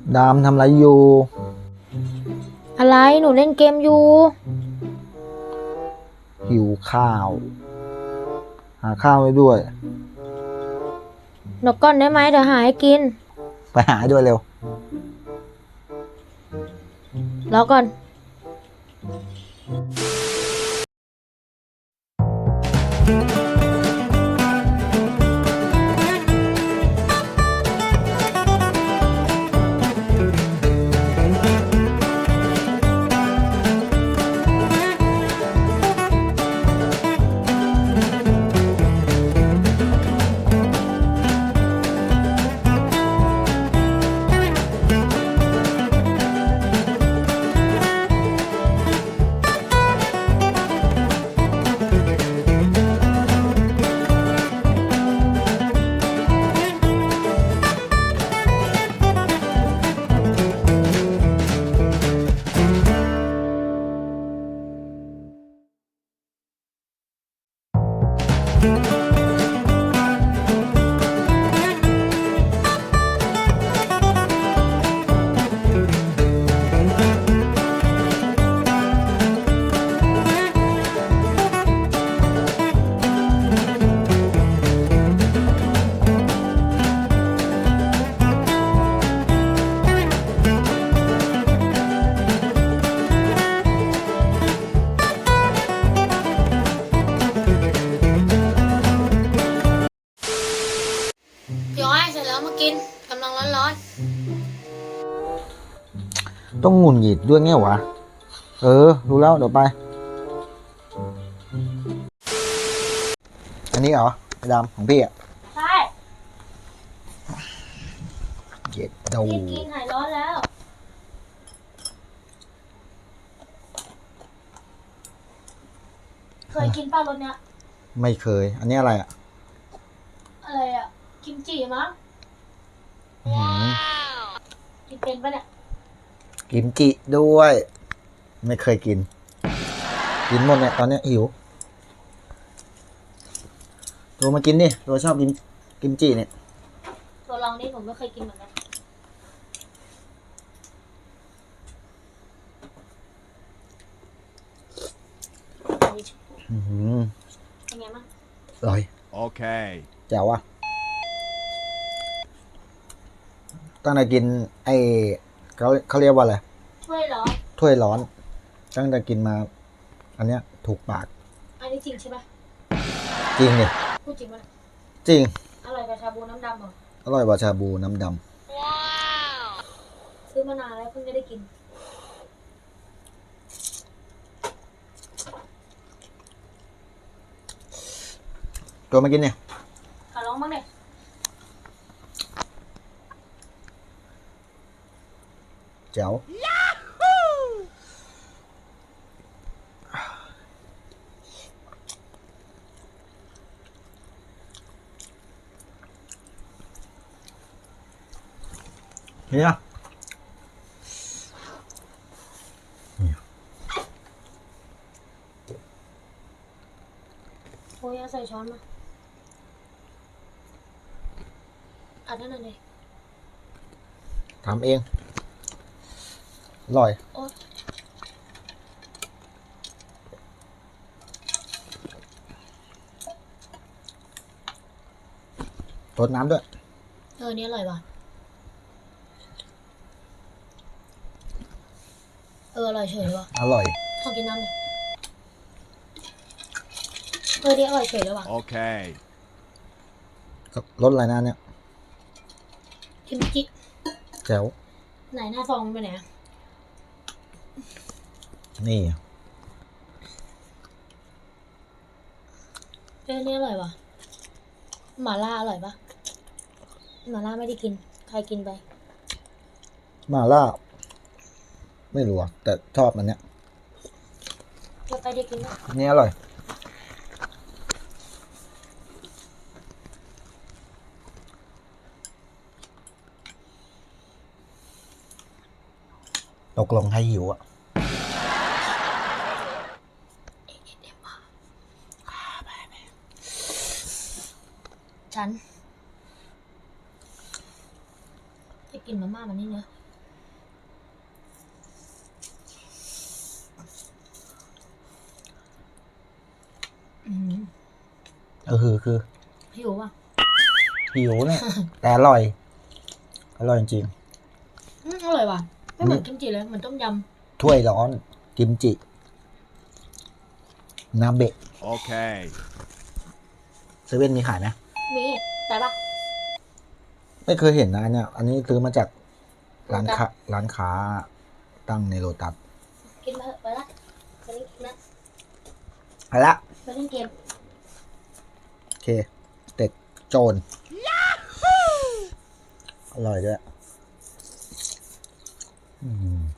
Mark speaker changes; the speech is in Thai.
Speaker 1: ดามทำอะไรอยู่
Speaker 2: อะไรหนูเล่นเกมอยู่
Speaker 1: หิวข้าว หาข้าวให้ด้วย
Speaker 2: เดี๋ยวก่อนได้ไหมเดี๋ยวหาให้กิน
Speaker 1: ไปหาให้ด้วยเร็ว
Speaker 2: รอก่อนพี่อ้อยเสร็จแล้วมากินกำลังร้อน
Speaker 1: ต้องหงุดหงิดด้วยไงวะ รู้แล้วเดี๋ยวไป อันนี้เหรอไอ้ดำของพี่อ่ะ
Speaker 2: ๆใช่
Speaker 1: เย็ดดู
Speaker 2: กินหายร้อนแล้วเคยกินป้ารสเนี้ย
Speaker 1: ไม่เคย อันนี้อะไรอ่ะ
Speaker 2: อะไรอ่ะกิมจิมั้ง
Speaker 1: อื้อหือ
Speaker 2: กินเป็นปะเนี่ย
Speaker 1: กิมจิด้วย ไม่เคยกิน กินหมดเนี่ยตอนเนี้ยหิวตัวมากินดิตัวชอบกินกิมจิเนี่ย
Speaker 2: ตัวลองนี่ผมไม่เคยกินเหมือนกัน
Speaker 1: อื้อหือ
Speaker 2: เป็นไงบ้าง
Speaker 1: อร่อย
Speaker 3: Okay.
Speaker 1: แจ๋วอ่ะตั้งแต่กินไอ้เขาเรียกว่าอะไร
Speaker 2: ช่วยเหรอ
Speaker 1: ถ้วยร้อน ตั้งแต่กินมา อันเนี้ยถูกปาก
Speaker 2: อันนี้จริงใช่ปะ
Speaker 1: จริงเนี่ย
Speaker 2: พูดจริงปะ
Speaker 1: จริง
Speaker 2: อร่อยกว่าชาบูน้ำดำเหรอ
Speaker 1: อร่อยกว่าชาบูน้ำด
Speaker 2: ซื้อมานานแล้วเพิ่งจะได้กิน
Speaker 1: ำตัวมากินเนี่ย
Speaker 2: ขอร้องบ้างเนี่ย
Speaker 1: แจ๋วเนี่ย
Speaker 2: โอ้ยเอาใส่ช้อนมาอัดนั่นน่ะเลย
Speaker 1: ทำเอง อร่อย
Speaker 2: โอ๊ย
Speaker 1: รดน้ำด้วย
Speaker 2: นี่อร่อยว่ะอร่อยเฉยเลยว่ะ
Speaker 1: อร่อย
Speaker 2: ขอกินน้ำหน่อยนี่อร่อยเฉยเลยว่ะ
Speaker 3: Okay.
Speaker 1: รสอะไรนะเนี่ย
Speaker 2: กิมจิ
Speaker 1: แจ๋ว
Speaker 2: ไหนหน้าซองมันไปไหนอะ
Speaker 1: นี่
Speaker 2: นี่อร่อยว่ะหม่าล่าอร่อยปะหม่าล่าไม่ได้กินใครกินไป
Speaker 1: มาล่า ไม่รู้อะแต่ชอบมันเนี้ย
Speaker 2: จะไปได้กินไหม
Speaker 1: นี่อร่อย ตกลงให้หิวอ่ะ
Speaker 2: ฉันจะกินมาม่ามันนี่เนอะ
Speaker 1: คือ
Speaker 2: หิวป่ะ
Speaker 1: หิวเนี่ย แต่อร่อย อร่อยจริง
Speaker 2: อร่อยว่ะไม่เหมือนกิมจิเลยเหมือนต้มย
Speaker 1: ๆถ้วยร้อน กิมจิ นาเบะ
Speaker 3: Okay.
Speaker 1: เซเว่นมีขายไหม
Speaker 2: ำมีแต่ปะ
Speaker 1: ไม่เคยเห็นนะเนี่ย อันนี้ซื้อมาจากร้านค้าตั้งในโลตัส
Speaker 2: กินมาเถอะไปละไปเล่นเกมนะ
Speaker 1: ไปละ
Speaker 2: ไปเล่นเกม
Speaker 1: โอเคเต็กโจรอร่อยด้วย